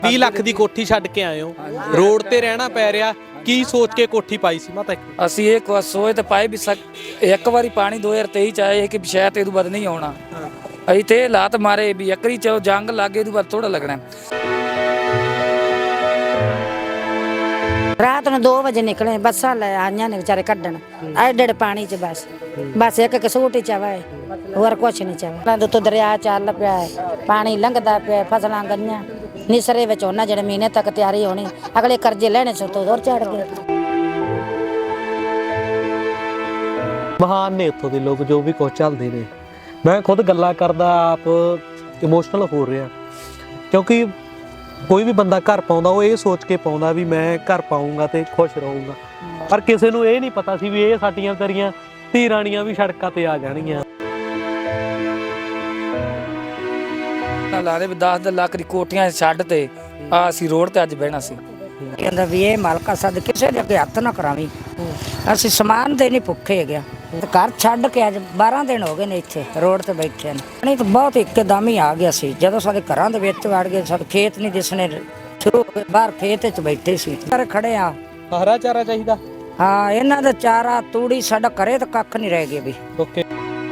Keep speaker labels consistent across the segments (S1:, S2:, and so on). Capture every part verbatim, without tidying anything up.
S1: बीस ਲੱਖ ਦੀ ਕੋਠੀ ਛੱਡ ਕੇ ਆਏ ਹੋ, ਰੋਡ ਤੇ ਰਹਿਣਾ ਪੈ ਰਿਹਾ, ਕੀ ਸੋਚ ਕੇ ਕੋਠੀ ਪਾਈ ਸੀ ਮਾਤਾ?
S2: ਅਸੀਂ ਇਹ ਕੁ ਸੋਚ ਤੇ ਪਾਈ ਵੀ ਇੱਕ ਵਾਰੀ ਪਾਣੀ ਦੋ ਹਜ਼ਾਰ ਤੇਈ ਚ ਆਏ ਕਿ ਸ਼ਾਇਦ ਇਹ ਤੋਂ ਬਾਅਦ ਨਹੀਂ ਆਉਣਾ। ਅਸੀਂ ਤੇ ਹਾਲਾਤ ਮਾਰੇ ਵੀ ਇੱਕਰੀ ਚ ਜੰਗ ਲੱਗੇ ਇਹ ਤੋਂ ਬਾਅਦ ਥੋੜਾ ਲੱਗਣਾ।
S3: ਰਾਤ ਨੂੰ ਦੋ ਵਜੇ ਨਿਕਲੇ, ਬੱਸਾਂ ਲੈ ਆਈਆਂ ਨੇ ਵਿਚਾਰੇ ਕੱਢਣ, ਐਡੇ ਐਡੇ ਪਾਣੀ ਚ ਬਸ ਬਸ ਇੱਕ ਇੱਕ ਸੂਟ ਹੀ ਚਾਵਾ ਹੈ, ਹੋਰ ਕੁਛ ਨਹੀਂ ਚਾਵਾ। ਤੋਂ ਦਰਿਆ ਚੱਲ ਪਿਆ, ਪਾਣੀ ਲੰਘਦਾ ਪਿਆ, ਫਸਲਾਂ ਗਈਆਂ ਨਿਸਰੇ ਵਿੱਚ ਉਹਨਾਂ ਜਿਹੜੇ ਮਹੀਨੇ ਤੱਕ ਤਿਆਰੀ ਹੋਣੀ, ਅਗਲੇ ਕਰਜ਼ੇ ਲੈਣੇ ਸੋ ਤੋਂ ਹੋਰ ਚੜ ਗਏ।
S1: ਮਹਾਨ ਨੇ ਉੱਥੋਂ ਦੇ ਲੋਕ ਜੋ ਵੀ ਕੁਝ ਚੱਲਦੇ ਨੇ। ਮੈਂ ਖੁਦ ਗੱਲਾਂ ਕਰਦਾ ਆਪ ਇਮੋਸ਼ਨਲ ਹੋ ਰਿਹਾ, ਕਿਉਂਕਿ ਕੋਈ ਵੀ ਬੰਦਾ ਘਰ ਪਾਉਂਦਾ ਉਹ ਇਹ ਸੋਚ ਕੇ ਪਾਉਂਦਾ ਵੀ ਮੈਂ ਘਰ ਪਾਉਂਗਾ ਤੇ ਖੁਸ਼ ਰਹੂੰਗਾ, ਪਰ ਕਿਸੇ ਨੂੰ ਇਹ ਨਹੀਂ ਪਤਾ ਸੀ ਵੀ ਇਹ ਸਾਡੀਆਂ ਤੇਰੀਆਂ ਧੀ ਰਾਣੀਆਂ ਵੀ ਸੜਕਾਂ ਤੇ ਆ ਜਾਣਗੀਆਂ।
S2: ਲਾ ਦੇ ਵੀ ਦਸ ਲੱਖ ਦੀ ਕੋਠੀਆਂ ਛੱਡ ਤੇ ਆ ਅਸੀਂ ਰੋਡ ਤੇ ਅੱਜ ਬਹਿਣਾ ਸੀ।
S3: ਕਹਿੰਦਾ ਵੀ ਇਹ ਮਾਲਕਾ ਸਦ ਕਿਸੇ ਦੇ ਅੱਗੇ ਹੱਥ ਨਾ ਕਰਾਵੀਂ, ਅਸੀਂ ਸਮਾਨ ਦੇ ਨਹੀਂ ਭੁੱਖੇ ਹੈਗੇ। ਘਰ ਛੱਡ ਕੇ ਅੱਜ ਬਾਰਾਂ ਦਿਨ ਹੋ ਗਏ ਨੇ ਇੱਥੇ ਰੋਡ ਤੇ ਬੈਠੇ ਨੇ। ਨਹੀਂ ਤਾਂ ਬਹੁਤ ਇੱਕਦਮ ਹੀ ਆ ਗਿਆ ਸੀ, ਜਦੋਂ ਸਾਡੇ ਘਰਾਂ ਦੇ ਵਿੱਚ ਵੜ ਗਏ, ਸਾਡੇ ਖੇਤ ਨਹੀਂ ਦਿਸਣੇ ਸ਼ੁਰੂ ਹੋ ਗਏ, ਬਾਹਰ ਖੇਤ 'ਚ ਬੈਠੇ ਸੀ। ਘਰ ਖੜੇ ਆ,
S1: ਹਰਾ ਚਾਰਾ ਚਾਹੀਦਾ।
S3: ਹਾਂ, ਇਹਨਾਂ ਦਾ ਚਾਰਾ ਤੂੜੀ ਸਾਡਾ ਘਰੇ ਤਾਂ ਕੱਖ ਨਹੀਂ ਰਹਿ ਗਿਆ ਵੀ।
S1: ਓਕੇ,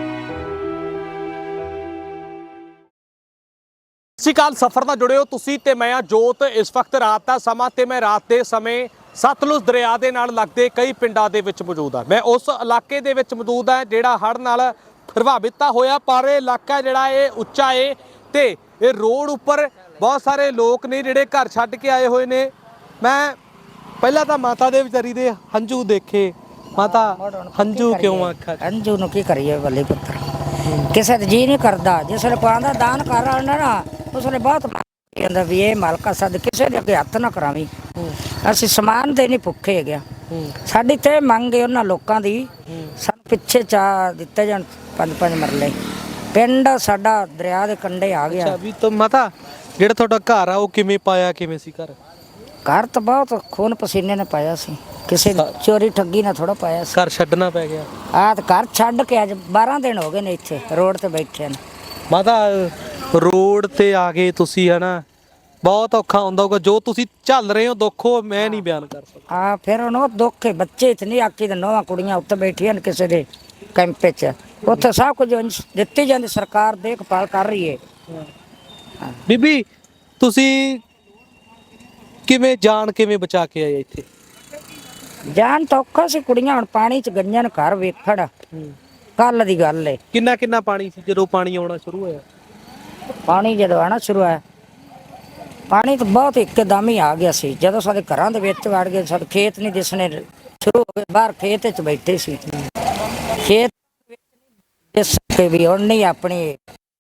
S1: ਸਤਿ ਸ਼੍ਰੀ ਅਕਾਲ। ਸਫ਼ਰ ਨਾਲ ਜੁੜੇ ਹੋ ਤੁਸੀਂ ਤੇ ਮੈਂ ਆ ਜੋਤ। ਇਸ ਵਕਤ ਰਾਤ ਦਾ ਸਮਾਂ ਤੇ ਮੈਂ ਰਾਤ ਦੇ ਸਮੇਂ ਸਤਲੁਜ ਦਰਿਆ ਦੇ ਨਾਲ ਲੱਗਦੇ ਕਈ ਪਿੰਡਾਂ ਦੇ ਵਿੱਚ ਮੌਜੂਦ ਹਾਂ। ਮੈਂ ਉਸ ਇਲਾਕੇ ਦੇ ਵਿੱਚ ਮੌਜੂਦ ਹਾਂ ਜਿਹੜਾ ਹੜ੍ਹ ਨਾਲ ਪ੍ਰਭਾਵਿਤ ਤਾਂ ਹੋਇਆ, ਪਰ ਇਹ ਇਲਾਕਾ ਜਿਹੜਾ ਇਹ ਉੱਚਾ ਏ ਤੇ ਇਹ ਰੋਡ ਉੱਪਰ ਬਹੁਤ ਸਾਰੇ ਲੋਕ ਨੇ ਜਿਹੜੇ ਘਰ ਛੱਡ ਕੇ ਆਏ ਹੋਏ ਨੇ। ਮੈਂ ਪਹਿਲਾਂ ਤਾਂ ਮਾਤਾ ਦੇ ਵਿਚਾਰੀ ਦੇ ਹੰਝੂ ਦੇਖੇ। ਮਾਤਾ ਹੰਝੂ ਕਿਉਂ ਆਖਾ?
S3: ਹੰਝੂ ਨੂੰ ਕੀ ਕਰੀਏ ਬੱਲੇ ਪੁੱਤਰ, ਕਿਸੇ ਦਾ ਜੀ ਨਹੀਂ ਕਰਦਾ। ਜਿਸ ਵੇਲੇ ਪਾਉਂਦਾ ਦਾਨ ਕਰ ਆਉਣਾ ਨਾ, ਉਸ ਵੇਲੇ ਬਹੁਤ ਕਹਿੰਦਾ ਵੀ ਇਹ ਮਾਲਕਾ ਸਦ ਕਿਸੇ ਦੇ ਅੱਗੇ ਹੱਥ ਨਾ ਕਰਾਵੀਂ, ਅਸੀਂ ਸਮਾਨ ਦੇ ਨਹੀਂ ਭੁੱਖੇ ਹੈਗੇ। ਸਾਡੀ ਤੇ ਮੰਗ ਹੈ ਉਹਨਾਂ ਲੋਕਾਂ ਦੀ, ਸਾਨੂੰ ਪਿੱਛੇ ਚਾਹ ਦਿੱਤੇ ਜਾਣ ਪੰਜ ਪੰਜ ਮਰਲੇ। ਪਿੰਡ ਸਾਡਾ ਦਰਿਆ ਦੇ ਕੰਢੇ ਆ ਗਿਆ।
S1: ਅੱਛਾ, ਵੀ ਤਾਂ ਮਾਤਾ ਜਿਹੜਾ ਤੁਹਾਡਾ ਘਰ ਆ ਉਹ ਕਿਵੇਂ ਪਾਇਆ, ਕਿਵੇਂ ਸੀ ਘਰ?
S3: ਘਰ ਤਾਂ ਬਹੁਤ ਖੂਨ ਪਸੀਨੇ ਨੇ ਪਾਇਆ ਸੀ, ਕਿਸੇ ਚੋਰੀ ਠੱਗੀ ਨਾਲ ਥੋੜਾ ਪਾਇਆ ਸੀ।
S1: ਘਰ ਛੱਡਣਾ ਪੈ ਗਿਆ।
S3: ਆਹ ਤਾਂ ਘਰ ਛੱਡ ਕੇ ਅੱਜ ਬਾਰਾਂ ਦਿਨ ਹੋ ਗਏ ਨੇ ਇੱਥੇ ਰੋਡ ਤੇ ਬੈਠੇ ਨੇ।
S1: ਮਾਤਾ ਰੋਡ ਤੇ ਆ ਗਏ ਤੁਸੀਂ, ਹਨਾ, ਬਹੁਤ ਔਖਾ ਹੁੰਦਾ ਹੋਊਗਾ ਜੋ ਤੁਸੀਂ ਝੱਲ ਰਹੇ ਹੋ ਦੁੱਖ, ਉਹ ਮੈਂ ਨਹੀਂ ਬਿਆਨ ਕਰ ਸਕਦਾ।
S3: ਆ ਫਿਰ ਹੁਣ ਉਹ ਦੁੱਖ ਹੈ, ਬੱਚੇ ਇਤਨੀ ਆਕੀ ਦੇ ਨੌਵਾਂ ਕੁੜੀਆਂ ਉੱਤੇ ਬੈਠੀਆਂ ਨੇ ਕਿਸੇ ਦੇ ਕੈਂਪ 'ਚ, ਉੱਥੇ ਸਭ ਕੁਝ ਦਿੱਤੀ ਜਾਂਦੀ, ਸਰਕਾਰ ਦੇਖਭਾਲ ਕਰ ਰਹੀ ਹੈ।
S1: ਬੀਬੀ ਤੁਸੀਂ ਕਿਵੇਂ ਜਾਨ ਕਿਵੇਂ ਬਚਾ ਕੇ ਆਏ ਇੱਥੇ?
S3: ਜਾਨ ਤਾਂ ਔਖਾ ਸੀ, ਕੁੜੀਆਂ ਹੁਣ ਪਾਣੀ 'ਚ ਗਈਆਂ ਨੇ ਘਰ ਵੇਖੜ। ਕੱਲ ਦੀ ਗੱਲ ਏ।
S1: ਕਿੰਨਾ ਕਿੰਨਾ ਪਾਣੀ ਸੀ ਜਦੋਂ ਪਾਣੀ ਆਉਣਾ ਸ਼ੁਰੂ ਹੋਇਆ?
S3: ਪਾਣੀ ਜਦੋਂ ਆਉਣਾ ਸ਼ੁਰੂ ਹੋਇਆ, ਪਾਣੀ ਤਾਂ ਬਹੁਤ ਇੱਕਦਮ ਹੀ ਆ ਗਿਆ ਸੀ। ਜਦੋਂ ਸਾਡੇ ਘਰਾਂ ਦੇ ਵਿੱਚ ਵੜ ਗਏ, ਸਾਡੇ ਖੇਤ ਨਹੀਂ ਦਿਸਣੇ ਸ਼ੁਰੂ ਹੋ ਗਏ, ਬਾਹਰ ਖੇਤ 'ਚ ਬੈਠੇ ਸੀ। ਖੇਤ ਦਿਸ ਕੇ ਵੀ ਹੁਣ ਨਹੀਂ ਆਪਣੀ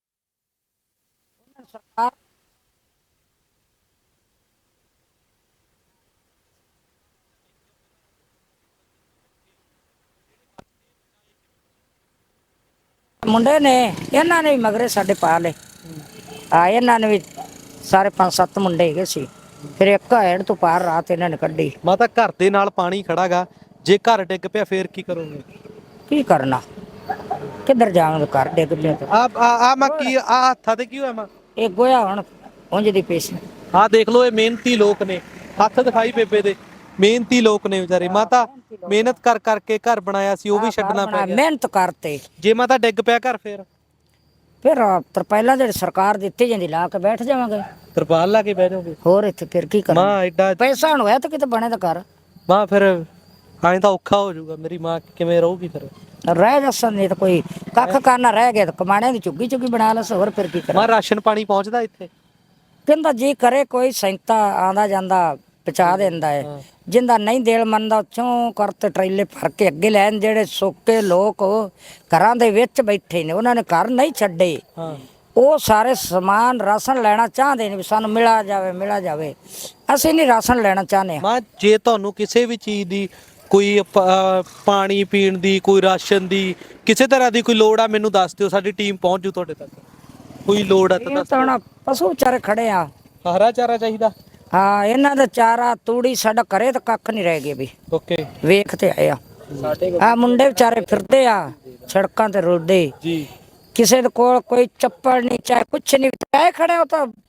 S3: ਸਰਕਾਰ ਮੁੰਡੇ ਨੇ, ਇਹਨਾਂ ਨੇ ਵੀ ਮਗਰੇ ਸਾਡੇ ਪਾ ਲਏ। ਆ ਇਹਨਾਂ ਨੇ ਵੀ ਸਾਰੇ ਪੰਜ ਸੱਤ ਮੁੰਡੇ ਹੈਗੇ ਸੀ, ਫਿਰ ਇੱਕ ਹੈੜ ਤੋਂ ਪਾਰ ਰਾਤ ਇਹਨਾਂ ਨੇ ਕੱਢੀ।
S1: ਮਾਤਾ ਘਰ ਦੇ ਨਾਲ ਪਾਣੀ ਖੜਾਗਾ, ਜੇ ਘਰ ਡਿੱਗ ਪਿਆ ਫੇਰ ਕੀ ਕਰੋਗੇ?
S3: ਕੀ ਕਰਨਾ, ਕਿੱਧਰ ਜਾਵਾਂਗੇ, ਘਰ ਡਿੱਗ ਪਿਆ ਤਾਂ।
S1: ਆ ਆ ਮੈਂ ਕੀ ਆ ਹੱਥਾਂ ਤੇ ਕੀ ਹੋਇਆ? ਮੈਂ
S3: ਇਹ ਗੋਇਆ ਹੁਣ ਉਂਝ ਦੀ ਪੇਸ਼।
S1: ਆ ਦੇਖ ਲਓ, ਇਹ ਮਿਹਨਤੀ ਲੋਕ ਨੇ, ਹੱਥ ਦਿਖਾਈ ਬੇਬੇ ਦੇ, ਮਿਹਨਤੀ ਲੋਕ ਨੇ ਵਿਚਾਰੇ। ਮਾਤਾ ਮਿਹਨਤ ਕਰ ਕਰਕੇ ਘਰ ਬਣਾਇਆ ਸੀ, ਉਹ ਵੀ ਛੱਡਣਾ ਪੈ ਗਿਆ।
S3: ਮਿਹਨਤ ਕਰਤੇ,
S1: ਜੇ ਮਾਤਾ ਡਿੱਗ ਪਿਆ ਘਰ ਫੇਰ?
S3: ਫਿਰ ਤਰਪਾਲਾਂ ਜਿਹੜੀ ਸਰਕਾਰ ਦਿੱਤੀ ਜਾਂਦੀ ਲਾ ਕੇ ਬੈਠ ਜਾਵਾਂਗੇ।
S1: ਤਰਪਾਲ ਲਾ ਕੇ ਬਹਿ ਜਾਓਗੇ?
S3: ਹੋਰ ਇੱਥੇ ਫਿਰ ਕੀ ਕਰਨਾ,
S1: ਮਾਂ ਐਡਾ
S3: ਪੈਸਾ ਹੁਣ ਹੋਇਆ ਤਾਂ ਕਿਤੇ ਬਣੇ ਤਾਂ ਕਰ।
S1: ਮਾਂ ਫਿਰ ਐਂ ਤਾਂ ਔਖਾ ਹੋ ਜਾਊਗਾ, ਮੇਰੀ ਮਾਂ ਕਿਵੇਂ ਰਹੂਗੀ ਫਿਰ?
S3: ਰਹਿ ਜਸਨ ਨਹੀਂ ਤਾਂ ਕੋਈ ਕੱਖ ਕਰਨਾ ਰਹਿ ਗਿਆ ਤਾਂ ਕਮਾਣੇ ਦੀ ਝੁੱਗੀ ਝੁੱਗੀ ਬਣਾ ਲਸ, ਹੋਰ ਫਿਰ ਕੀ ਕਰਾਂ।
S1: ਮਾਂ ਰਾਸ਼ਨ ਪਾਣੀ ਪਹੁੰਚਦਾ ਇੱਥੇ?
S3: ਕਹਿੰਦਾ ਜੀ ਕਰੇ ਕੋਈ ਸੈਂਤਾ ਆਂਦਾ ਜਾਂਦਾ ਪਹੁੰਚਾ ਦਿੰਦਾ ਹੈ, ਜਿੰਦਾ ਨਹੀਂ ਦੇਲ ਮੰਨਦਾ ਚੋਂ ਕਰਤੇ ਟਰੇਲੇ ਭਰ ਕੇ ਅੱਗੇ ਲੈਣ। ਜਿਹੜੇ ਸੋਕੇ ਲੋਕ ਘਰਾਂ ਦੇ ਵਿੱਚ ਬੈਠੇ ਨੇ, ਉਹਨਾਂ ਨੇ ਘਰ ਨਹੀਂ ਛੱਡੇ, ਉਹ ਸਾਰੇ ਸਮਾਨ ਰਾਸ਼ਨ ਲੈਣਾ ਚਾਹੁੰਦੇ ਨੇ ਵੀ ਸਾਨੂੰ ਮਿਲਾ ਜਾਵੇ ਮਿਲਾ ਜਾਵੇ। ਅਸੀਂ ਨਹੀਂ ਰਾਸ਼ਨ ਲੈਣਾ ਚਾਹੁੰਦੇ।
S1: ਮਾਂ ਜੇ ਤੁਹਾਨੂੰ ਕਿਸੇ ਵੀ ਚੀਜ਼ ਦੀ, ਕੋਈ ਪਾਣੀ ਪੀਣ ਦੀ, ਕੋਈ ਰਾਸ਼ਨ ਦੀ, ਕਿਸੇ ਤਰ੍ਹਾਂ ਦੀ ਕੋਈ ਲੋੜ ਆ, ਮੈਨੂੰ ਦੱਸ ਦਿਓ, ਸਾਡੀ ਟੀਮ ਪਹੁੰਚ ਜੂ ਤੁਹਾਡੇ ਤੱਕ। ਕੋਈ ਲੋੜ ਆ ਤਾਂ ਦੱਸ।
S3: ਹੁਣ ਪਸ਼ੂ ਵਿਚਾਰੇ ਖੜੇ ਆ,
S1: ਹਰਾ ਚਾਰਾ ਚਾਹੀਦਾ।
S3: ਹਾਂ, ਇਹਨਾਂ ਦਾ ਚਾਰਾ ਤੂੜੀ ਸਾਡਾ ਘਰੇ ਤਾਂ ਕੱਖ ਨਹੀਂ ਰਹਿ ਗਿਆ ਵੀ।
S1: ਓਕੇ,
S3: ਵੇਖ ਤੇ ਆਏ ਆ, ਆ ਮੁੰਡੇ ਵਿਚਾਰੇ ਫਿਰਦੇ ਆ ਸੜਕਾਂ ਤੇ ਰੁਲਦੇ ਜੀ, ਕਿਸੇ ਦੇ ਕੋਲ ਕੋਈ ਚੱਪਲ ਨਹੀਂ, ਚਾਹੇ ਕੁਛ ਨਹੀਂ, ਚਾਹੇ ਖੜੇ ਹੋ ਤਾਂ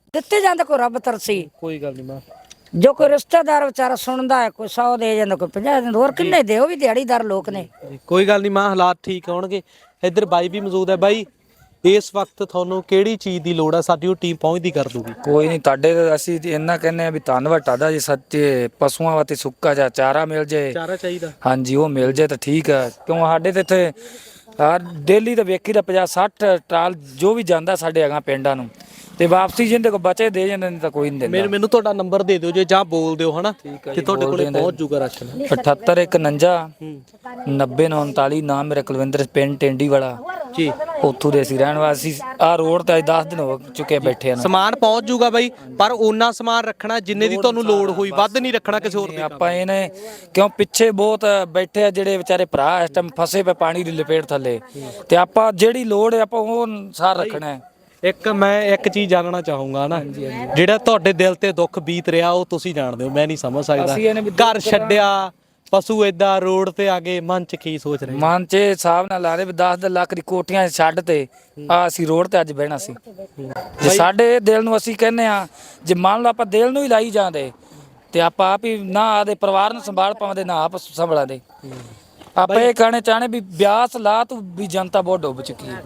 S3: ਦਿੱਤੇ ਜਾਂਦੇ ਕੋਈ ਰੱਬ ਤਰਸੀ
S1: ਕੋਈ ਗੱਲ ਨਹੀਂ ਮਾਂ।
S3: ਜੋ ਕੋਈ ਰਿਸ਼ਤੇਦਾਰ ਵਿਚਾਰਾ ਸੁਣਦਾ ਹੈ ਕੋਈ ਸੌ ਦੇ ਜਾਂਦਾ ਕੋਈ ਪੰਜਾਹ ਦਿੰਦਾ ਹੋਰ ਕਿੰਨੇ ਦੇ ਉਹ ਵੀ ਦਿਹਾੜੀਦਾਰ ਲੋਕ ਨੇ।
S1: ਕੋਈ ਗੱਲ ਨਹੀਂ ਮਾਂ, ਹਾਲਾਤ ਠੀਕ ਹੋਣਗੇ। ਇੱਧਰ ਬਾਈ ਵੀ ਮੌਜੂਦ ਹੈ। ਬਾਈ, ਇਸ ਵਕਤ ਤੁਹਾਨੂੰ ਕਿਹੜੀ ਚੀਜ਼ ਦੀ ਲੋੜ ਹੈ? ਸਾਡੀ ਉਹ ਟੀਮ ਪਹੁੰਚਦੀ ਕਰ ਦੂਗੀ।
S2: ਕੋਈ ਨਹੀਂ, ਤੁਹਾਡੇ ਅਸੀਂ ਇੰਨਾ ਕਹਿੰਦੇ ਆ ਵੀ ਧੰਨਵਾਦ ਤੁਹਾਡਾ ਜੀ। ਸੱਚੇ ਪਸ਼ੂਆਂ ਵਾਸਤੇ ਸੁੱਕਾ ਜਾਂ ਚਾਰਾ ਮਿਲ ਜੇ,
S1: ਚਾਰਾ ਚਾਹੀਦਾ।
S2: ਹਾਂਜੀ ਉਹ ਮਿਲ ਜੇ ਤਾਂ ਠੀਕ ਆ। ਕਿਉਂ ਸਾਡੇ ਤੇ ਇੱਥੇ ਆ ਡੇਲੀ ਤਾਂ ਵੇਖੀ ਦਾ ਪੰਜਾਹ ਸੱਠ ਟਰਾਲ ਜੋ ਵੀ ਜਾਂਦਾ ਸਾਡੇ ਹੈਗਾ ਪਿੰਡਾਂ ਨੂੰ, ਤੇ ਵਾਪਸੀ ਜਿੰਦੇ ਕੋ ਬਚੇ ਦੇ ਜਾਂਦੇ ਨੇ ਤਾਂ ਕੋਈ ਨਹੀਂ ਦਿੰਦਾ।
S1: ਮੈਨੂੰ ਮੈਨੂੰ ਤੁਹਾਡਾ ਨੰਬਰ ਦੇ ਦਿਓ ਜੇ, ਜਾਂ ਬੋਲ ਦਿਓ ਹਨਾ ਕਿ ਤੁਹਾਡੇ ਕੋਲੇ ਪਹੁੰਚ ਜੂਗਾ ਰਾਸ਼ਨ।
S2: ਅਠੱਤਰ ਇੱਕ ਉਨੰਜਾ ਨੱਬੇ ਨੌ ਉਨਤਾਲੀ। ਨਾਮ ਮੇਰਾ ਕੁਲਵਿੰਦਰ, ਪਿੰਡ ਟੈਂਡੀ ਵਾਲਾ
S1: ਜੀ।
S2: ਉੱਥੋਂ ਦੇ ਅਸੀਂ ਰਹਿਣ ਵਾਸੀ। ਆ ਰੋਡ ਤੇ ਅੱਜ ਦਸ ਦਿਨ ਹੋ ਚੁੱਕੇ ਬੈਠੇ ਨੇ।
S1: ਸਮਾਨ ਪਹੁੰਚ ਜੂਗਾ ਬਾਈ, ਪਰ ਓਨਾ ਸਮਾਨ ਰੱਖਣਾ ਜਿੰਨੇ ਦੀ ਤੁਹਾਨੂੰ ਲੋੜ ਹੋਈ, ਵੱਧ ਨਹੀਂ ਰੱਖਣਾ ਕਿਸੇ ਹੋਰ ਦੇ।
S2: ਆਪਾਂ ਇਹਨੇ ਕਿਉਂ ਪਿੱਛੇ ਬਹੁਤ ਬੈਠੇ ਆ ਜਿਹੜੇ ਵਿਚਾਰੇ ਭਰਾ ਇਸ ਟਾਈਮ ਫਸੇ ਪਏ ਪਾਣੀ ਦੀ ਲਪੇਟ ਥੱਲੇ, ਤੇ ਆਪਾਂ ਜਿਹੜੀ ਲੋੜ ਹੈ ਆਪਾਂ ਉਹ ਸਾਰ ਰੱਖਣਾ ਹੈ।
S1: ਇੱਕ ਮੈਂ ਇੱਕ ਚੀਜ਼ ਜਾਣਨਾ ਚਾਹੂੰਗਾ ਨਾ, ਜਿਹੜਾ ਤੁਹਾਡੇ ਦਿਲ ਤੇ ਦੁੱਖ ਬੀਤ ਰਿਹਾ ਉਹ ਤੁਸੀਂ ਜਾਣਦੇ ਹੋ, ਮੈਂ ਨਹੀਂ ਸਮਝ ਸਕਦਾ। ਘਰ ਛੱਡਿਆ, ਪਸ਼ੂ ਏਦਾਂ ਰੋਡ ਤੇ ਆ ਗਏ, ਮਨ ਚ ਕੀ ਸੋਚ ਰਹੇ?
S2: ਮਨ ਚ ਹਿਸਾਬ ਨਾਲ ਲਾ ਦੇ ਵੀ ਦਸ ਲੱਖ ਦੀ ਕੋਠੀਆਂ ਛੱਡ ਤੇ ਆ ਅਸੀਂ ਰੋਡ ਤੇ ਅੱਜ ਬਹਿਣਾ ਸੀ। ਜੇ ਸਾਡੇ ਦਿਲ ਨੂੰ ਅਸੀਂ ਕਹਿੰਦੇ ਆ, ਜੇ ਮੰਨ ਲਓ ਆਪਾਂ ਦਿਲ ਨੂੰ ਹੀ ਲਾਈ ਜਾਂਦੇ ਤੇ ਆਪਾਂ ਆਪ ਹੀ ਨਾ ਆਦੇ ਪਰਿਵਾਰ ਨੂੰ ਸੰਭਾਲ ਪਾਉਂਦੇ ਨਾ ਆਪ ਸੰਭਲਾਂਦੇ। ਆਪਾਂ ਇਹ ਕਹਿਣੇ ਚਾਹਣੇ ਵੀ ਬਿਆਸ ਲਾ ਤੂੰ ਵੀ ਜਨਤਾ ਬਹੁਤ ਡੁੱਬ ਚੁੱਕੀ ਹੈ।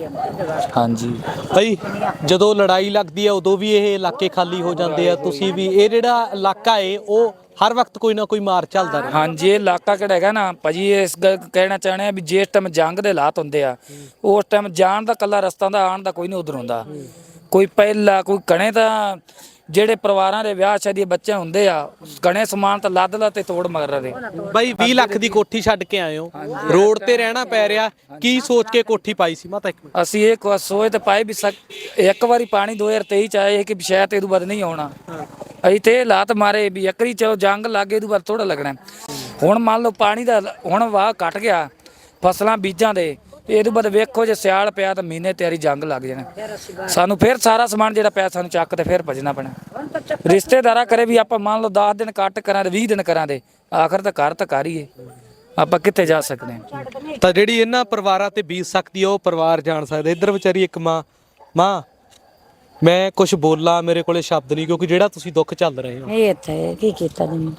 S2: ਹਾਂਜੀ
S1: ਭਾਈ, ਜਦੋਂ ਲੜਾਈ ਲੱਗਦੀ ਹੈ ਉਦੋਂ ਵੀ ਇਹ ਇਲਾਕੇ ਖਾਲੀ ਹੋ ਜਾਂਦੇ ਆ। ਤੁਸੀਂ ਵੀ ਇਹ ਜਿਹੜਾ ਇਲਾਕਾ ਏ ਉਹ ਹਰ ਵਕਤ ਕੋਈ ਨਾ ਕੋਈ ਮਾਰ ਚੱਲਦਾ ਰਹੇ।
S2: ਹਾਂਜੀ, ਇਹ ਇਲਾਕਾ ਕਿਹੜਾ ਹੈਗਾ ਨਾ ਭਾਜੀ, ਇਸ ਗੱਲ ਕਹਿਣਾ ਚਾਹਣੇ ਆ ਵੀ ਜਿਸ ਟਾਈਮ ਜੰਗ ਦੇ ਹਾਲਾਤ ਹੁੰਦੇ ਆ ਉਸ ਟਾਈਮ ਜਾਣ ਦਾ ਕੱਲਾ ਰਸਤਾ ਦਾ, ਆਉਣ ਦਾ ਕੋਈ ਨਹੀਂ ਉਧਰ ਹੁੰਦਾ। ਕੋਈ ਪਹਿਲਾ ਕੋਈ ਕਣੇ ਤਾਂ ਜਿਹੜੇ ਪਰਿਵਾਰਾਂ ਦੇ ਵਿਆਹ ਸ਼ਾਦੀ ਬੱਚੇ ਹੁੰਦੇ ਆ, ਕਣੇ ਸਮਾਨ ਤਾਂ ਲੱਦ ਲਾ ਤੇ ਤੋੜ ਮਗਰ ਰਹੇ।
S1: ਬਾਈ, ਵੀਹ ਲੱਖ ਦੀ ਕੋਠੀ ਛੱਡ ਕੇ ਆਏ ਹੋ, ਰੋਡ ਤੇ ਰਹਿਣਾ ਪੈ ਰਿਹਾ, ਕੀ ਸੋਚ ਕੇ ਕੋਠੀ ਪਾਈ ਸੀ? ਮਾਤਾ ਇੱਕ ਮਿੰਟ।
S2: ਅਸੀਂ ਇਹ ਕੁ- ਸੋਚ ਤੇ ਪਾਈ ਵੀ ਸਕ- ਇੱਕ ਵਾਰੀ ਪਾਣੀ ਦੋ ਹਜ਼ਾਰ ਤੇਈ ਚ ਆਏ ਕਿ ਸ਼ਾਇਦ ਇਹਦੋਂ ਬਾਅਦ ਨਹੀਂ ਆਉਣਾ। ਅਸੀਂ ਤੇ ਇਹ ਲਾਤ ਮਾਰੇ ਵੀ ਇੱਕਰੀ ਚ ਜੰਗ ਲੱਗੇ ਇਹਦੋਂ ਬਾਅਦ ਥੋੜਾ ਲੱਗਣਾ। ਹੁਣ ਮੰਨ ਲਓ ਪਾਣੀ ਦਾ ਹੁਣ ਵਾਹ ਘਟ ਗਿਆ ਫਸਲਾਂ ਬੀਜਾਂ ਦੇ, ਇਹਦੇ ਬਾਅਦ ਵੇਖੋ ਜੇ ਸਿਆਲ ਪਿਆ ਤਾਂ ਮਹੀਨੇ ਤਿਆਰੀ ਜੰਗ ਲੱਗ ਜਾਣਾ। ਸਾਨੂੰ ਫਿਰ ਸਾਰਾ ਸਮਾਨ ਜਿਹੜਾ ਪਿਆ ਸਾਨੂੰ ਚੱਕ ਤੇ ਫਿਰ ਭਜਣਾ ਪੈਣਾ। ਰਿਸ਼ਤੇਦਾਰਾਂ ਕਰੇ ਵੀ ਆਪਾਂ ਮੰਨ ਲਓ ਦਸ ਦਿਨ ਕੱਟ ਕਰਾਂ ਤੇ ਵੀਹ ਦਿਨ ਕਰਾਂ ਦੇ, ਆਖਰ ਤਾਂ ਘਰ ਤਾਂ ਘਰ ਹੀ ਹੈ, ਆਪਾਂ ਕਿੱਥੇ ਜਾ ਸਕਦੇ ਹਾਂ।
S1: ਤਾਂ ਜਿਹੜੀ ਇਹਨਾਂ ਪਰਿਵਾਰਾਂ ਤੇ ਬੀਤ ਸਕਦੀ ਆ ਉਹ ਪਰਿਵਾਰ ਜਾਣ ਸਕਦਾ। ਇੱਧਰ ਵਿਚਾਰੀ ਇੱਕ ਮਾਂ, ਮਾਂ ਮੈਂ ਕੁਝ ਬੋਲਾਂ ਮੇਰੇ ਕੋਲੇ ਸ਼ਬਦ ਨਹੀਂ, ਕਿਉਂਕਿ ਜਿਹੜਾ ਤੁਸੀਂ ਦੁੱਖ ਚੱਲ ਰਹੇ ਹੋ।
S3: ਇਹ ਇੱਥੇ ਕੀ ਕੀਤਾ ਜੀ?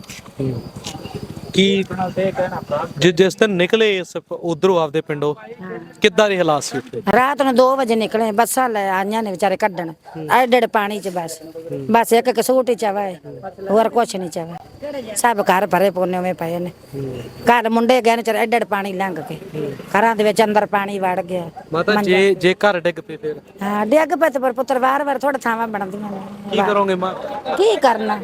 S1: ਕੀ ਜਿ- ਜਿਸ ਦਿਨ ਨਿਕਲੇ ਇਸ ਉਧਰੋਂ ਆਪਦੇ ਪਿੰਡੋਂ, ਕਿੱਦਾਂ ਦੇ ਹਾਲਾਤ ਸੀ ਉੱਥੇ?
S3: ਰਾਤ ਨੂੰ ਦੋ ਵਜੇ ਨਿਕਲੇ, ਬੱਸਾਂ ਲੈ ਆਈਆਂ ਨੇ ਵਿਚਾਰੇ ਕੱਢਣ, ਐਡੇ ਐਡੇ ਪਾਣੀ ਚ ਬਸ ਬਸ ਇੱਕ ਕਸੂਟ ਹੀ ਚਾਵਾ ਹੈ, ਹੋਰ ਕੁਛ ਨਹੀਂ ਚਾਵਾ। ਸਭ ਘਰ ਭਰੇ ਪੋਨੇ ਵਿੱਚ ਪਏ ਨੇ। ਘਰ ਮੁੰਡੇ ਗਏ ਨੇ ਚਾਰੇ, ਐਡੇ ਐਡੇ ਪਾਣੀ ਲੰਘ ਕੇ ਘਰਾਂ ਦੇ ਵਿੱਚ ਅੰਦਰ ਪਾਣੀ ਵੜ ਗਿਆ।
S1: ਮਾਤਾ, ਜੇ ਜੇ ਘਰ ਡਿੱਗ ਪਏ ਫਿਰ
S3: ਹਾਂ ਡਿੱਗ ਪਏ ਤੇ ਪਰ ਪੁੱਤਰ ਵਾਰ ਵਾਰ ਥੋੜਾ ਥਾਵਾਂ ਬਣਦੀਆਂ ਨੇ।
S1: ਕੀ ਕਰੋਗੇ ਮਾਂ?
S3: ਕੀ ਕਰਨਾ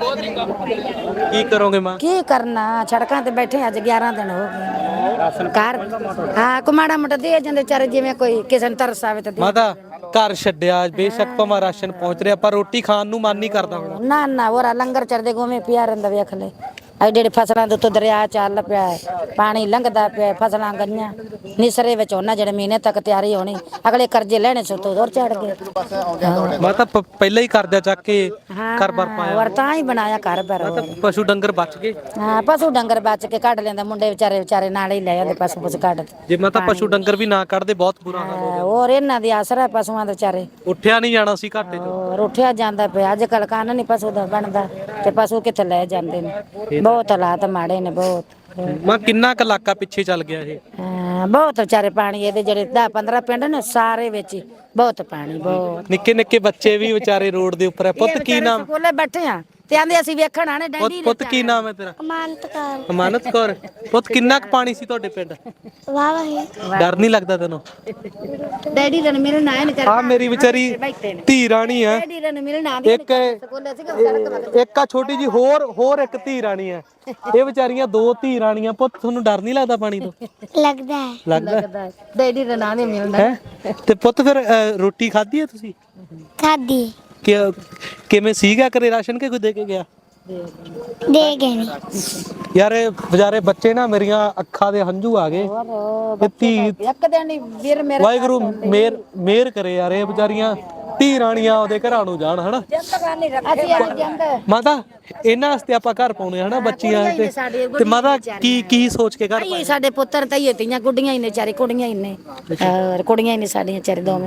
S1: ਕੀ ਕਰੋਗੇ ਮਾਂ?
S3: ਕੀ ਕਰਨਾ, ਸੜਕਾਂ ਤੇ ਬੈਠੇ ਅੱਜ ਗਿਆਰਾਂ ਦਿਨ ਹੋ ਗਏ। ਘਰ ਹਾਂ ਕੋ ਮਾੜਾ ਮੋਟਾ ਦੇ ਜਾਂਦੇ ਵਿਚਾਰੇ, ਜਿਵੇਂ ਕੋਈ ਕਿਸੇ ਨੂੰ ਤਰਸ ਆਵੇ ਤਾਂ ਦੇ।
S1: ਮਾਤਾ, ਘਰ ਛੱਡਿਆ, ਬੇਸ਼ੱਕ ਭਾਵੇਂ ਰਾਸ਼ਨ ਪਹੁੰਚ ਰਿਹਾ, ਪਰ ਰੋਟੀ ਖਾਣ ਨੂੰ ਮਨ ਨਹੀਂ ਕਰਦਾ ਹੁਣ।
S3: ਨਾ ਨਾ ਹੋਰਾ ਲੰਗਰ ਚੜਦੇ ਗੋਵੇਂ ਪਿਆ ਰਹਿੰਦਾ, ਵੇਖ ਲੈ ਐਡੇ ਐਡੇ ਫਸਲਾਂ ਦੇ ਉੱਤੋਂ ਦਰਿਆ ਚੱਲ ਪਿਆ, ਪਾਣੀ ਲੰਘਦਾ ਪਿਆ, ਫਸਲਾਂ ਗਈਆਂ ਨਿਸਰੇ ਵਿੱਚ ਉਹਨਾਂ ਜਿਹੜੇ ਮਹੀਨੇ ਤੱਕ ਤਿਆਰੀ ਹੋਣੀ, ਅਗਲੇ ਕਰਜ਼ੇ ਲੈਣੇ ਸੋ ਤੋਂ ਦੌਰ ਚੜ ਗਏ।
S1: ਮਾਤਾ ਪ- ਪਹਿਲਾਂ ਹੀ ਕਰਜ਼ਾ ਚੱਕ ਕੇ ਘਰ-ਬਾਰ ਪਾਇਆ,
S3: ਹੋਰ ਤਾਂ ਹੀ ਬਣਾਇਆ ਘਰ ਬਾਰ।
S1: ਪਸ਼ੂ ਡੰਗਰ ਬਚ ਗਏ।
S3: ਹਾਂ ਪਸ਼ੂ ਡੰਗਰ ਬਚ ਕੇ ਕੱਢ ਲੈਂਦਾ, ਮੁੰਡੇ ਵਿਚਾਰੇ ਵਿਚਾਰੇ ਨਾਲ ਹੀ ਲੈ ਜਾਂਦੇ ਪਸ਼ੂ ਪਸ਼ੂ ਕੱਢ।
S1: ਜੇ ਮਾਤਾ ਪਸ਼ੂ ਡੰਗਰ ਵੀ ਨਾ ਕੱਢਦੇ ਬਹੁਤ ਬੁਰਾ ਹਾਲ ਹੋ
S3: ਹੋਰ ਇਹਨਾਂ ਦੀ ਆਸਰਾ ਪਸ਼ੂਆਂ ਦੇ ਵਿਚਾਰੇ।
S1: ਉੱਠਿਆ ਨਹੀਂ ਜਾਣਾ ਸੀ ਘਾਟੇ ਚੋਂ।
S3: ਹੋਰ ਉੱਠਿਆ ਜਾਂਦਾ ਪਿਆ, ਅੱਜ ਕੱਲ ਕੰਨ ਨਹੀਂ ਪਸ਼ੂ ਦਾ ਬਣਦਾ ਤੇ ਪਸ਼ੂ ਕਿੱਥੇ ਲੈ ਜਾਂਦੇ ਨੇ। ਬਹੁਤ ਹਾਲਾਤ ਮਾੜੇ ਨੇ ਬਹੁਤ।
S1: ਮਾਂ, ਕਿੰਨਾ ਕੁ ਇਲਾਕਾ ਪਿੱਛੇ ਚੱਲ ਗਿਆ ਇਹ?
S3: ਹਾਂ ਬਹੁਤ ਵਿਚਾਰੇ ਪਾਣੀ ਇਹਦੇ ਜਿਹੜੇ ਦਸ ਪੰਦਰਾਂ ਪਿੰਡ ਨੇ ਸਾਰੇ ਵਿੱਚ ਹੀ ਬਹੁਤ ਪਾਣੀ, ਬਹੁਤ।
S1: ਨਿੱਕੇ ਨਿੱਕੇ ਬੱਚੇ ਵੀ ਵਿਚਾਰੇ ਰੋਡ ਦੇ ਉੱਪਰ ਹੈ। ਪੁੱਤ ਕੀ ਨਾਮ?
S3: ਸਕੂਲੇ ਬੈਠੇ ਆ ਤੇ ਆਂਦੇ ਅਸੀਂ ਵੇਖਣ ਆਣੇ
S1: ਪੁੱਤ
S3: ਡੈਡੀ
S1: ਪੁੱਤ ਕੀ ਨਾਮ ਹੈ ਤੇਰਾ?
S4: ਅਮਾਨਤ ਕੌਰ।
S1: ਅਮਾਨਤ ਕੌਰ। ਪੁੱਤ ਕਿੰਨਾ ਕੁ ਪਾਣੀ ਸੀ ਤੁਹਾਡੇ ਪਿੰਡ?
S4: ਵਾਹ ਵਾਹ
S1: ਡਰ ਨਹੀਂ ਲੱਗਦਾ ਤੈਨੂੰ?
S3: ਡੈਡੀ ਰਣ ਮਿਲਣ ਆਏ ਨੇ
S1: ਆ ਮੇਰੀ ਵਿਚਾਰੀ ਧੀ ਰਾਣੀ ਹੈ।
S3: ਡੈਡੀ ਰਣ ਮਿਲਣ ਆਂਦੇ
S1: ਇੱਕ
S3: ਸਕੂਲੇ ਸੀਗੇ
S1: ਇੱਕ ਆ ਛੋਟੀ ਜੀ ਹੋਰ ਹੋਰ ਇੱਕ ਧੀ ਰਾਣੀ ਹੈ। ਇਹ ਵਿਚਾਰੀਆਂ ਦੋ ਧੀ ਰਾਣੀਆਂ। ਪੁੱਤ ਤੁਹਾਨੂੰ ਡਰ ਨਹੀਂ ਲੱਗਦਾ ਪਾਣੀ ਤੋਂ?
S4: ਲੱਗਦਾ ਹੈ।
S1: ਲੱਗਦਾ
S3: ਡੈਡੀ ਰਣ ਆਂਦੇ ਮਿਲਣ
S1: ਹੈ। ਤੇ ਪੁੱਤ ਫਿਰ ਅ, ਰੋਟੀ ਖਾਧੀ ਹੈ ਤੁਸੀਂ?
S4: ਖਾਦੀ
S1: ਕਿ ਕਿਵੇਂ ਸੀਗਾ ਘਰੇ ਰਾਸ਼ਨ ਕੇ ਕੋਈ ਦੇ ਕੇ ਗਿਆ?
S4: ਦੇ ਗਏ ਨੇ।
S1: ਯਾਰ ਇਹ ਵਿਚਾਰੇ ਬੱਚੇ ਨਾ, ਮੇਰੀਆਂ ਅੱਖਾਂ ਦੇ ਹੰਝੂ ਆ ਗਏ। ਇਹ ਧੀ
S3: ਇੱਕ ਦਿਨ ਹੀ ਵੀਰ ਮੇਰੇ
S1: ਵਾਹਿਗੁਰੂ ਮੇਰ ਮੇਰ ਕਰੇ ਯਾਰ, ਇਹ ਵਿਚਾਰੀਆਂ ਧੀ ਰਾਣੀਆਂ ਉਹਦੇ ਘਰਾਂ ਨੂੰ ਜਾਣ ਹਨਾ।
S3: ਅਸੀਂ ਆ ਜਾਂਦੇ
S1: ਮਾਤਾ, ਇਹਨਾਂ ਵਾਸਤੇ ਆਪਾਂ ਘਰ ਪਾਉਣੇ ਹਨਾ ਬੱਚੀਆਂ ਤੇ। ਤੇ ਮਾਤਾ ਕੀ ਕੀ ਸੋਚ ਕੇ ਘਰ ਪਾਏ?
S3: ਸਾਡੇ ਪੁੱਤਰ ਤਾਂ ਹੀ ਤੀਆਂ ਗੁੱਡੀਆਂ ਹੀ ਨੇ ਚਾਰੇ, ਕੁੜੀਆਂ ਹੀ ਨੇ। ਔਰ ਕੁੜੀਆਂ ਹੀ ਨੇ ਸਾਡੀਆਂ ਚਾਰੇ ਦੋਵੇਂ।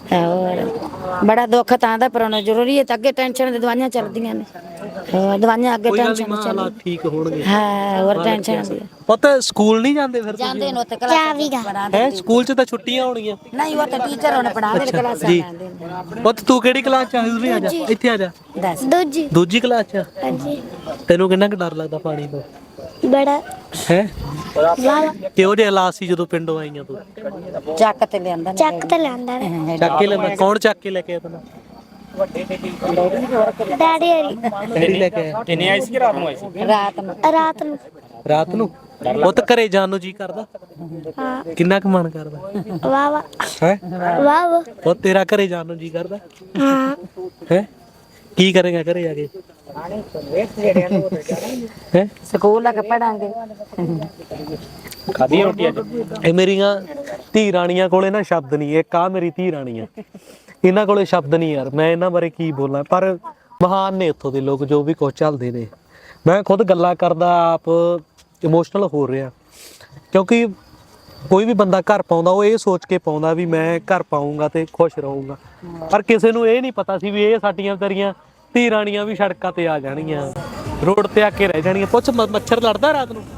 S3: ਹੋਰ ਬੜਾ ਦੁੱਖ ਤਾਂ ਦਾ ਪਰ ਹੁਣ ਜ਼ਰੂਰੀ ਹੈ ਤਾਂ ਅੱਗੇ ਟੈਨਸ਼ਨ ਦੀ ਦਵਾਈਆਂ ਚੱਲਦੀਆਂ ਨੇ ਹੋਰ ਦਵਾਈਆਂ ਅੱਗੇ
S1: ਕੋਈ ਗੱਲ ਨਹੀਂ
S3: ਟੈਨਸ਼ਨ
S1: ਮਾਂ, ਹਾਲਾਤ
S3: ਚੱਲ
S1: ਠੀਕ ਹੋਣਗੇ।
S3: ਹਾਂ ਹੋਰ ਟੈਨਸ਼ਨ ਦੀ
S1: ਪੁੱਤ ਸਕੂਲ ਨਹੀਂ ਜਾਂਦੇ ਫਿਰ ਤੁਸੀਂ?
S3: ਜਾਂਦੇ ਨੇ ਉੱਥੇ
S4: ਚਾਵੀ ਦਾ।
S3: ਕਲਾਸ
S1: ਹੈ ਸਕੂਲ 'ਚ ਤਾਂ ਛੁੱਟੀਆਂ ਹੋਣਗੀਆਂ।
S3: ਨਹੀਂ ਉਹ ਤਾਂ ਟੀਚਰ ਉਹਨੇ ਪੜਾਉਂਦੇ ਨੇ ਕਲਾਸਾਂ
S1: ਜੀ
S3: ਲਾਉਂਦੇ ਨੇ
S1: ਪੁੱਤ ਤੂੰ ਕਿਹੜੀ ਕਲਾਸ 'ਚ ਆ? ਉਰੇ ਆ ਜਾ, ਇੱਥੇ ਆ ਜਾ।
S3: ਦੱਸ
S4: ਦੂਜੀ
S1: ਦੂਜੀ ਕਲਾਸ 'ਚ ਆ?
S4: ਹਾਂਜੀ
S1: ਤੈਨੂੰ ਕਿੰਨਾ ਕੁ ਡਰ ਲੱਗਦਾ ਪਾਣੀ ਤੋਂ?
S4: ਬੜਾ
S1: ਹੈ
S4: ਵਾਵਾ
S1: ਕਿਹੋ ਜਿਹੇ ਹਾਲਾਤ ਸੀ ਜਦੋਂ ਪਿੰਡੋਂ ਆਈਆਂ ਤੂੰ?
S3: ਚੱਕ ਤੇ ਲਿਆਂਦਾ ਨੇ
S4: ਚੱਕ ਤੇ ਲਿਆਂਦਾ ਨੇ
S1: ਚੱਕ ਕੇ ਲੈ ਕੌਣ ਚੱਕ ਕੇ ਲੈ ਕੇ ਆਇਆ ਤੈਨੂੰ?
S4: ਡੈਡੀ ਹਰੀ
S1: ਡੈਡੀ ਲੈ ਕੇ ਆਇਆ।
S2: ਕਿੰਨੇ ਆਈ ਸੀ ਰਾਤ ਨੂੰ ਆਈ ਸੀ?
S3: ਰਾਤ ਨੂੰ
S4: ਰਾਤ ਨੂੰ
S1: ਰਾਤ ਨੂੰ ਪੁੱਤ ਘਰੇ ਜਾਣ ਨੂੰ ਜੀ ਕਰਦਾ?
S4: ਹਾਂ
S1: ਕਿੰਨਾ ਕੁ ਮਨ ਕਰਦਾ
S4: ਵਾਵਾ
S1: ਹੈ?
S4: ਵਾਵਾ
S1: ਉਹ ਤੇਰਾ ਘਰੇ ਜਾਣ ਨੂੰ ਜੀ ਕਰਦਾ
S4: ਹਾਂ
S1: ਹੈ? ਕੀ ਕਰੇਗਾ ਘਰੇ ਜਾ ਕੇ? ਹੈ
S3: ਸਕੂਲ ਆ ਕੇ ਪੜਾਂਗੇ
S1: ਖਾਦੀ ਰੋਟੀ ਅੱਜ? ਇਹ ਮੇਰੀਆਂ ਧੀ ਰਾਣੀਆਂ ਕੋਲੇ ਨਾ ਸ਼ਬਦ ਨਹੀਂ। ਇੱਕ ਆ ਮੇਰੀ ਧੀ ਰਾਣੀ ਆ, ਇਹਨਾਂ ਕੋਲੇ ਸ਼ਬਦ ਨਹੀਂ ਯਾਰ। ਮੈਂ ਇਹਨਾਂ ਬਾਰੇ ਕੀ ਬੋਲਾਂ, ਪਰ ਮਹਾਨ ਨੇ ਇੱਥੋਂ ਦੇ ਲੋਕ ਜੋ ਵੀ ਕੁਝ ਚੱਲਦੇ ਨੇ। ਮੈਂ ਖੁਦ ਗੱਲਾਂ ਕਰਦਾ ਆਪ ਇਮੋਸ਼ਨਲ ਹੋ ਰਿਹਾ, ਕਿਉਂਕਿ ਕੋਈ ਵੀ ਬੰਦਾ ਘਰ ਪਾਉਂਦਾ ਉਹ ਇਹ ਸੋਚ ਕੇ ਪਾਉਂਦਾ ਵੀ ਮੈਂ ਘਰ ਪਾਉਂਗਾ ਤੇ ਖੁਸ਼ ਰਹੂੰਗਾ, ਪਰ ਕਿਸੇ ਨੂੰ ਇਹ ਨਹੀਂ ਪਤਾ ਸੀ ਵੀ ਇਹ ਸਾਡੀਆਂ ਵਿਚਾਰੀਆਂ ਧੀ ਰਾਣੀਆਂ ਵੀ ਸੜਕਾਂ ਤੇ ਆ ਜਾਣਗੀਆਂ, ਰੋਡ ਤੇ ਆ ਕੇ ਰਹਿ ਜਾਣਗੀਆਂ। ਪੁੱਛ ਮ- ਮੱਛਰ ਲੜਦਾ ਰਾਤ ਨੂੰ?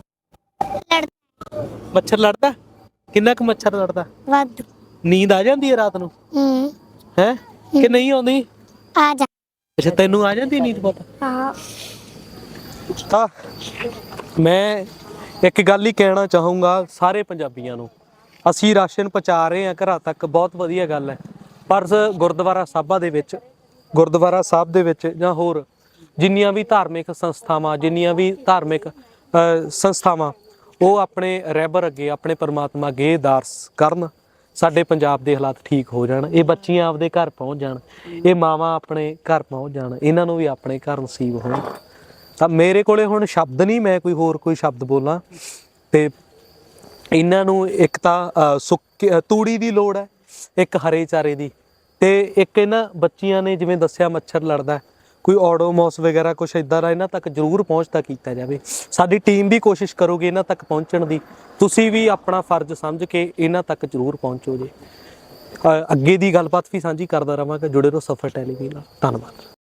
S1: ਮੱਛਰ ਲੜਦਾ? ਕਿੰਨਾ ਕੁ ਮੱਛਰ ਲੜਦਾ?
S4: ਵਾਧੂ
S1: ਨੀਂਦ ਆ ਜਾਂਦੀ ਹੈ ਰਾਤ ਨੂੰ?
S4: ਹੂੰ
S1: ਹੈ ਕਿ ਨਹੀਂ ਆਉਂਦੀ?
S4: ਆ ਜਾ
S1: ਅੱਛਾ ਤੈਨੂੰ ਆ ਜਾਂਦੀ ਨੀਂਦ ਪੁੱਤ?
S4: ਹਾਂ
S1: ਤਾਂ ਮੈਂ ਇੱਕ ਗੱਲ ਹੀ ਕਹਿਣਾ ਚਾਹੂੰਗਾ ਸਾਰੇ ਪੰਜਾਬੀਆਂ ਨੂੰ, ਅਸੀਂ ਰਾਸ਼ਨ ਪਹੁੰਚਾ ਰਹੇ ਹਾਂ ਘਰਾਂ ਤੱਕ, ਬਹੁਤ ਵਧੀਆ ਗੱਲ ਹੈ, ਪਰ ਸ- ਗੁਰਦੁਆਰਾ ਸਾਹਿਬਾਂ ਦੇ ਵਿੱਚ ਗੁਰਦੁਆਰਾ ਸਾਹਿਬ ਦੇ ਵਿੱਚ ਜਾਂ ਹੋਰ ਜਿੰਨੀਆਂ ਵੀ ਧਾਰਮਿਕ ਸੰਸਥਾਵਾਂ ਜਿੰਨੀਆਂ ਵੀ ਧਾਰਮਿਕ ਅ, ਸੰਸਥਾਵਾਂ ਉਹ ਆਪਣੇ ਰਹਿਬਰ ਅੱਗੇ ਆਪਣੇ ਪਰਮਾਤਮਾ ਅੱਗੇ ਅਰਦਾਸ ਕਰਨ, ਸਾਡੇ ਪੰਜਾਬ ਦੇ ਹਾਲਾਤ ਠੀਕ ਹੋ ਜਾਣ, ਇਹ ਬੱਚੀਆਂ ਆਪਦੇ ਘਰ ਪਹੁੰਚ ਜਾਣ, ਇਹ ਮਾਵਾਂ ਆਪਣੇ ਘਰ ਪਹੁੰਚ ਜਾਣ, ਇਹਨਾਂ ਨੂੰ ਵੀ ਆਪਣੇ ਘਰ ਨਸੀਬ ਹੋਣ। ਤਾਂ ਮੇਰੇ ਕੋਲੇ ਹੁਣ ਸ਼ਬਦ ਨਹੀਂ, ਮੈਂ ਕੋਈ ਹੋਰ ਕੋਈ ਸ਼ਬਦ ਬੋਲਾਂ। ਤੇ ਇਹਨਾਂ ਨੂੰ ਇੱਕ ਤਾਂ ਅ, ਸੁੱਕੀ ਅ, ਤੂੜੀ ਦੀ ਲੋੜ ਹੈ, ਇੱਕ ਹਰੇ ਚਾਰੇ ਦੀ, ਤੇ ਇੱਕ ਇਹਨਾਂ ਬੱਚੀਆਂ ਨੇ ਜਿਵੇਂ ਦੱਸਿਆ ਮੱਛਰ ਲੜਦਾ, ਕੋਈ ਓਡੋਮੋਸ ਵਗੈਰਾ ਕੁਛ ਇਦਾਂ ਦਾ ਇਹਨਾਂ ਤੱਕ ਜ਼ਰੂਰ ਪਹੁੰਚਦਾ ਕੀਤਾ ਜਾਵੇ। ਸਾਡੀ ਟੀਮ ਵੀ ਕੋਸ਼ਿਸ਼ ਕਰੂਗੀ ਇਹਨਾਂ ਤੱਕ ਪਹੁੰਚਣ ਦੀ, ਤੁਸੀਂ ਵੀ ਆਪਣਾ ਫਰਜ਼ ਸਮਝ ਕੇ ਇਹਨਾਂ ਤੱਕ ਜ਼ਰੂਰ ਪਹੁੰਚੋ ਜੀ। ਅ, ਅੱਗੇ ਦੀ ਗੱਲਬਾਤ ਵੀ ਸਾਂਝੀ ਕਰਦਾ ਰਹਾਂਗਾ, ਜੁੜੇ ਰਹੋ ਸਫਰ ਟੈਲੀਵਿਜ਼ਨ ਨਾਲ। ਧੰਨਵਾਦ।